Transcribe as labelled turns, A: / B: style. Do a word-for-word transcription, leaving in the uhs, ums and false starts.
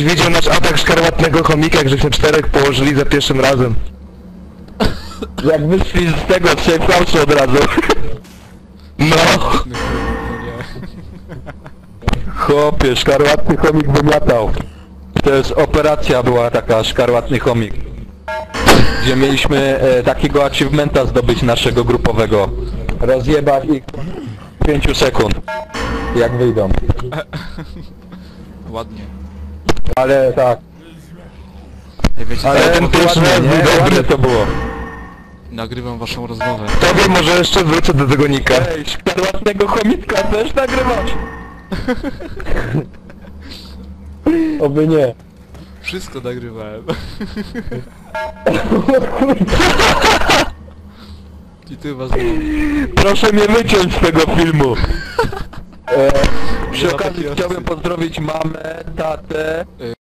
A: widział nasz atak szkarłatnego chomika, jak żeśmy czterech położyli za pierwszym razem.
B: Jak wyszli z tego trzech fałszy od razu.
A: No!
B: Chłopie, szkarłatny chomik wymiatał. To jest operacja była taka, szkarłatny chomik. Gdzie mieliśmy e, takiego achievementa zdobyć naszego grupowego. Rozjebać ich w pięciu sekund. Jak wyjdą.
C: Ładnie.
B: Ale tak.
C: Ej, wiecie,
B: Ale
C: co?
A: ten pierwszy raz był dobry.
B: Ładnie to było.
C: Nagrywam waszą rozmowę.
A: Tobie może jeszcze wrócę do tego nika.
B: Ej, szkarłatnego chomika też nagrywać. Oby nie.
C: Wszystko nagrywałem. I ty was znowu.
B: Proszę mnie wyciąć z tego filmu. E,
C: Nie
B: przy
C: ma
B: okazji
C: takiej
B: chciałbym
C: opcji.
B: pozdrowić mamę, tatę,